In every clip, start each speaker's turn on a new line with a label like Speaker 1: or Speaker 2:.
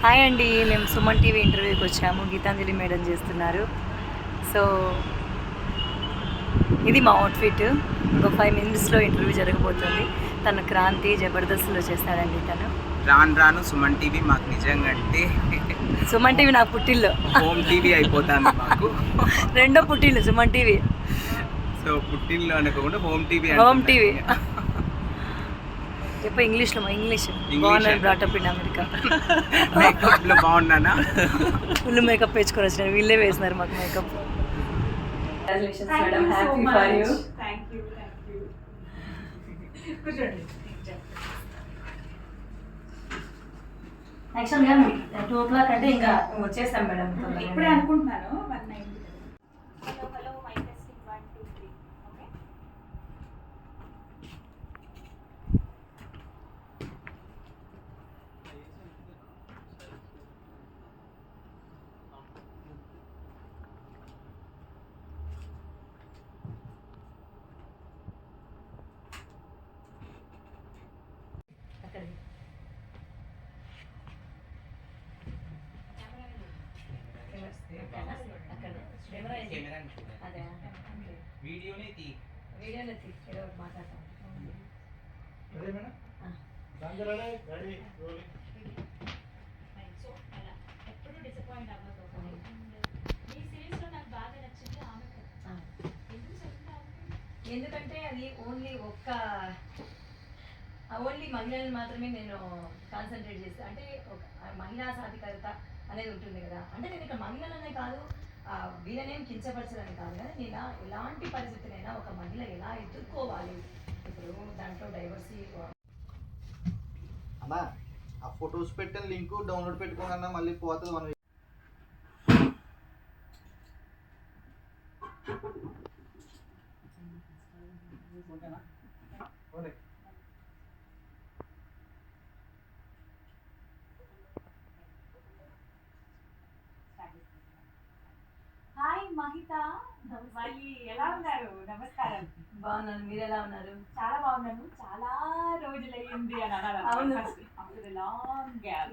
Speaker 1: Hi అండి, మేము Suman TV ఇంటర్వ్యూకి వచ్చాము. గీతాంజలి మేడం చేస్తున్నారు. సో ఇది మా అవుట్ఫిట్. ఇంకో 5 మినిట్స్లో ఇంటర్వ్యూ జరగబోతుంది. తను క్రాంతి జబర్దస్త్లో చేస్తాడండి. తను
Speaker 2: రాను సుమన్ టీవీ మాకు నిజంగా అంటే
Speaker 1: సుమన్ టీవీ నాకు పుట్టిల్లు,
Speaker 2: హోమ్ టీవీ అయిపోతుంది మాకు.
Speaker 1: రెండో పుట్టిల్లు సుమన్ టీవీ.
Speaker 2: సో పుట్టిల్లు అనుకోకుండా హోమ్ టీవీ.
Speaker 1: చెప్పు ఇంగ్లీష్లో. ఇంగ్లీష్ బాగున్నాను, బ్రాటప్ ఇన్ అమెరికా.
Speaker 2: మేకప్లో బాగున్నానా?
Speaker 1: ఫుల్ మేకప్ వేసుకొని వచ్చినారు, వీళ్ళే వేసినారు మాకు makeup. Congratulations madam, happy for you.
Speaker 3: Thank you. కూర్చోండి.
Speaker 1: యాక్చువల్గా 2 o'clock అంటే ఇంకా వచ్చేసాం మేడం.
Speaker 3: ఇప్పుడే అనుకుంటున్నాను 190. Hello mike testing 1 2 3. ఓకే.
Speaker 2: వీడియోనే తీ.
Speaker 1: మాట్లాడతాం.
Speaker 3: సో అలా ఎప్పుడు డిసప్పాయింట్ అవ్వదు. మీ సిరీస్ లో నాకు బాగా నచ్చింది ఆమె కథ. ఎందుకు చెప్తాను?
Speaker 1: ఎందుకంటే అది ఓన్లీ మహిళలను మాత్రమే నేను కాన్సన్ట్రేట్ చేస్తాను. అంటే ఒక మహిళా సాధికారత అనేది ఉంటుంది కదా. అంటే నేను ఇక్కడ మహిళలనే కాదు, వీళ్ళనేం కించపరచదని కాదు కదా. నేను ఎలాంటి పరిస్థితులైనా ఒక మహిళ ఎలా ఎదుర్కోవాలి, ఇప్పుడు దాంట్లో డైవర్సిటీ.
Speaker 4: అన్నా ఆ ఫొటోస్ పెట్టిన లింక్ డౌన్లోడ్ పెట్టుకోనన్నా మళ్ళీ పోతుంది 1 week.
Speaker 3: హాయ్ మహిత, మళ్ళీ ఎలా ఉన్నారు? నమస్కారం.
Speaker 1: బాగున్నాను, మీరు ఎలా ఉన్నారు?
Speaker 3: చాలా బాగున్నాను. చాలా రోజులయ్యింది అని అన్నారు.
Speaker 1: అవును.
Speaker 3: After long gap.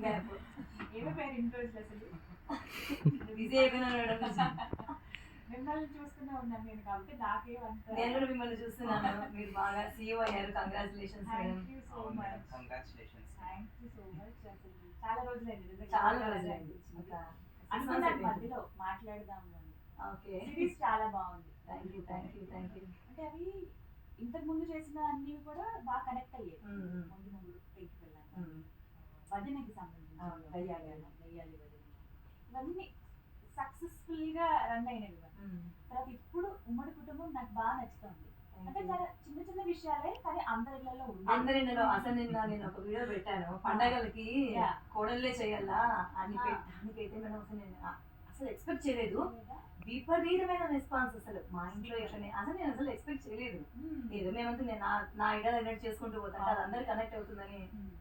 Speaker 3: ఏమి పేరు ఇన్ని రోజులు అసలు?
Speaker 1: బిజీ అయిపోయినాను మేడం.
Speaker 3: మిమ్మల్ని చూస్తూనే ఉన్నాను నేను, కాబట్టి నాకేమంత.
Speaker 1: నేను కూడా మిమ్మల్ని చూస్తున్నాను, మీరు బాగా సీఈఓ అయ్యారు. Congratulations madam.
Speaker 3: Thank you so much.
Speaker 2: Congratulations.
Speaker 3: Thank you so much. అసలు చాలా రోజులైంది నిజంగా.
Speaker 1: చాలా రోజులైంది. ఇంకా
Speaker 3: అనుకున్నాను మధ్యలో మాట్లాడదాము అని.
Speaker 1: ఓకే,
Speaker 3: సిరీస్ చాలా బాగుంది.
Speaker 1: Thank you.
Speaker 3: అంటే అవి ఇంతకు ముందు చేసిన అన్ని కూడా బాగా కనెక్ట్ అయ్యాయి. ముందు పైకి వెళ్ళాను, భజనకి సంబంధించి వెయ్యాలి భజన, ఇవన్నీ సక్సెస్ఫుల్ గా రన్ అయినవి. తర్వాత ఇప్పుడు ఉమ్మడి కుటుంబం నాకు బాగా నచ్చుతుంది. అంటే చాలా చిన్న చిన్న విషయాలే కానీ అందరిలో
Speaker 1: అందరిలో. అసలు నేను ఒక వీడియో పెట్టాను, పండగలకి కోడళ్ళే చేయాలా అని. దానికైతే మేడం అసలు నేను అసలు ఎక్స్పెక్ట్ చేయలేదు. విపరీతమైన రెస్పాన్స్ అసలు మా ఇంట్లో ఎట్లనే అసలు నేను అసలు ఎక్స్పెక్ట్ చేయలేదు. ఏదో మేమంతా నేను నా ఐడియా దగ్గర చేసుకుంటూ పోతాను, అది అందరు కనెక్ట్ అవుతుందని.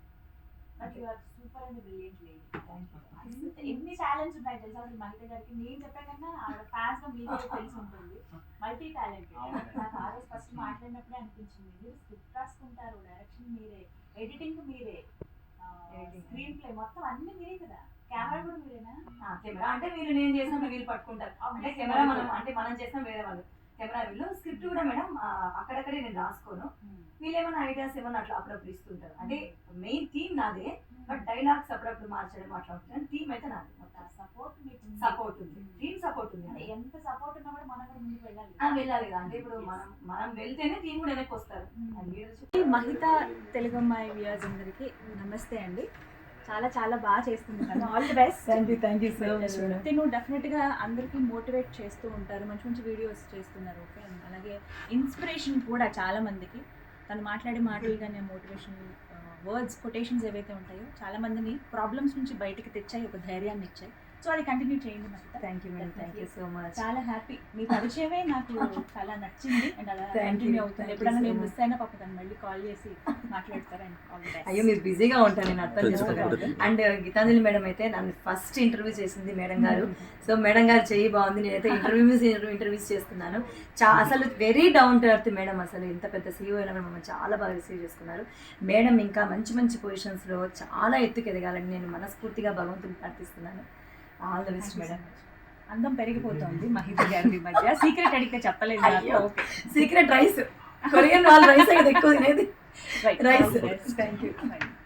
Speaker 3: Super and brilliant lady. ఎన్ని టాలెంట్స్ ఉన్నాయి తెలుసా అసలు మహిత గారికి. నేను చెప్పే కన్నా ఆవిడ ఫ్యాన్స్ గా మీకు తెలిసి ఉంటుంది. Multi talented. నాకు ఆ రోజు ఫస్ట్ మాట్లాడినప్పుడే అనిపించింది, మీరు స్క్రిప్ట్ రాసుకుంటారు, డైరెక్షన్ మీరే, ఎడిటింగ్ మీరే, స్క్రీన్ ప్లే మొత్తం అన్ని మీరే కదా, కెమెరా కూడా మీరేనా?
Speaker 1: కెమెరా అంటే నేను చేసినప్పుడు వీళ్ళు పట్టుకుంటారు. అంటే కెమెరా మనం చేస్తాం, వేరే వాళ్ళు కెమెరా వీళ్ళు. స్క్రిప్ట్ కూడా మేడం అక్కడక్కడే నేను రాసుకోను, వీళ్ళు ఏమైనా ఐడియాస్ ఏమైనా అట్లా అప్పుడప్పుడు ఇస్తుంటారు. అంటే మెయిన్ థీమ్ నాదే, బట్ డైలాగ్స్ అప్పుడప్పుడు మార్చడం అట్లా ఉంటుంది. థీమ్ అయితే నాది. సపోర్ట్ ఉంది, థీమ్ సపోర్ట్ ఉంది.
Speaker 3: ఎంత సపోర్ట్ ఉన్నా కూడా మనం కూడా ముందుకు వెళ్ళాలి
Speaker 1: కదా. అంటే ఇప్పుడు మనం వెళ్తేనే థీమ్ కూడా వెనక్కి వస్తారు.
Speaker 3: మహిత తెలుగు అమ్మాయి వ్యూయర్స్ అందరికీ నమస్తే అండి. చాలా చాలా బాగా చేస్తుంది కదా. All the best.
Speaker 1: Thank you so much madam.
Speaker 3: తిను డెఫినెట్గా అందరికీ మోటివేట్ చేస్తూ ఉంటారు, మంచి మంచి వీడియోస్ చేస్తున్నారు. ఓకే, అలాగే ఇన్స్పిరేషన్ కూడా చాలా మందికి. తను మాట్లాడే మాటలు కానీ మోటివేషన్ వర్డ్స్, కొటేషన్స్ ఏవైతే ఉంటాయో చాలా మందిని ప్రాబ్లమ్స్ నుంచి బయటికి తెచ్చాయి, ఒక ధైర్యాన్ని ఇచ్చాయి. సో అది కంటిన్యూ చేయండి Mahita.
Speaker 1: Thank you madam, thank you so much.
Speaker 3: చాలా హ్యాపీ, మీ పరిచయమే నాకు చాలా నచ్చింది అండ్ అలా
Speaker 1: Thank
Speaker 3: కంటిన్యూ
Speaker 1: you.
Speaker 3: అవుతుంది.
Speaker 1: Thank you
Speaker 3: ఎప్పుడైనా
Speaker 1: so
Speaker 3: నేను
Speaker 1: much.
Speaker 3: మిస్ అయినా పాప తను మళ్ళీ కాల్ చేసి మాట్లాడతారని ఆల్ ది బెస్ట్.
Speaker 1: అయ్యో మీరు బిజీగా ఉంటాను, నేను అర్థం చేసుకోగలను. అండ్ గీతాంజలి మేడం అయితే నన్ను ఫస్ట్ ఇంటర్వ్యూ చేసింది మేడం గారు. సో మేడం గారు చెయ్యి బాగుంది, నేనైతే ఇంటర్వ్యూస్ చేస్తున్నాను. అసలు very down to earth madam. అసలు ఇంత పెద్ద సీఈఓ అయినా మమ్మల్ని చాలా బాగా రిసీవ్ చేసుకున్నారు. మేడం ఇంకా మంచి మంచి పొజిషన్స్లో చాలా ఎత్తుకు ఎదగాలని నేను మనస్ఫూర్తిగా భగవంతుని ప్రార్థిస్తున్నాను. All the best madam.
Speaker 3: అందం పెరిగిపోతుంది మహిత గారి ఈ మధ్య. సీక్రెట్ అడిగితే చెప్పలేదు నాకు.
Speaker 1: అయ్యో.
Speaker 3: ఓకే,
Speaker 1: సీక్రెట్ రైస్, కొరియన్ వాళ్ళ రైస్ అయితే ఎక్కువ తినేది.
Speaker 3: Right,
Speaker 1: rice.
Speaker 3: Thank you.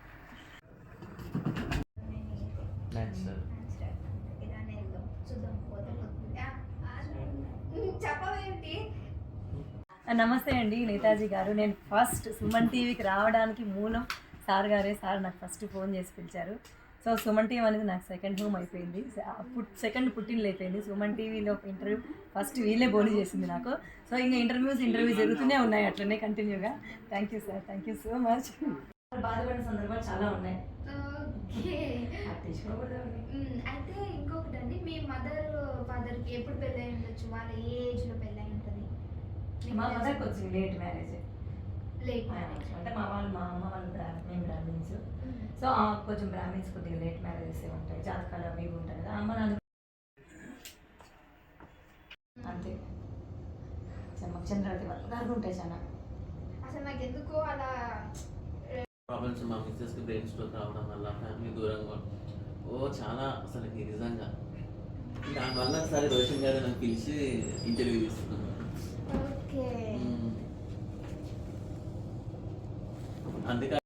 Speaker 5: చెప్పవేంటి?
Speaker 1: నమస్తే అండి నేతాజీ గారు. నేను ఫస్ట్ సుమన్ టీవీకి రావడానికి మూలం సార్ గారే. సార్ నాకు ఫస్ట్ ఫోన్ చేసి పిలిచారు. సో సుమన్ టీవీ అనేది నాకు సెకండ్ హోమ్ అయిపోయింది, సెకండ్ పుట్టినలు అయిపోయింది. సుమన్ టీవీలో ఇంటర్వ్యూ ఫస్ట్ వీళ్ళే బోని చేసింది నాకు. సో ఇంకా ఇంటర్వ్యూ జరుగుతూనే ఉన్నాయి అట్లనే కంటిన్యూగా. Thank you sir, thank you so much. బాధపడిన సందర్భాలు చాలా ఉన్నాయి.
Speaker 5: ఓకే. అయితే ఇంకొకటండి, మీ మదర్ ఫాదర్కి ఎప్పుడు పెళ్ళి అయి ఉండొచ్చు? వాళ్ళ ఏ ఏజ్లో పెళ్ళి అయి ఉంటుంది?
Speaker 1: మా మదర్కి వచ్చింది లేట్ మ్యారేజ్.
Speaker 5: లేట్
Speaker 1: అంటే మా అమ్మ వాళ్ళు మేము బ్రాహ్మిన్స్. సో కొంచెం బ్రాహ్మిన్స్ కొద్దిగా లేట్ మ్యారేజెస్ ఉంటాయి, జాతకాలు అవి ఇవి ఉంటాయి కదా. అమ్మ నాన్న అంతే. చంద్రవతి వాళ్ళు ఉంటాయి చాలా.
Speaker 5: అసలు నాకు ఎందుకో అలా
Speaker 6: ప్రాబ్లమ్స్ మా మిస్సెస్కి బ్రెయిన్ స్ట్రోక్ రావడం వల్ల ఫ్యామిలీ దూరంగా చాలా అసలు నిజంగా దానివల్ల ఒకసారి రోషన్ గారు నన్ను పిలిచి ఇంటర్వ్యూ తీసుకున్నాను.
Speaker 5: ఓకే.
Speaker 6: అందుకే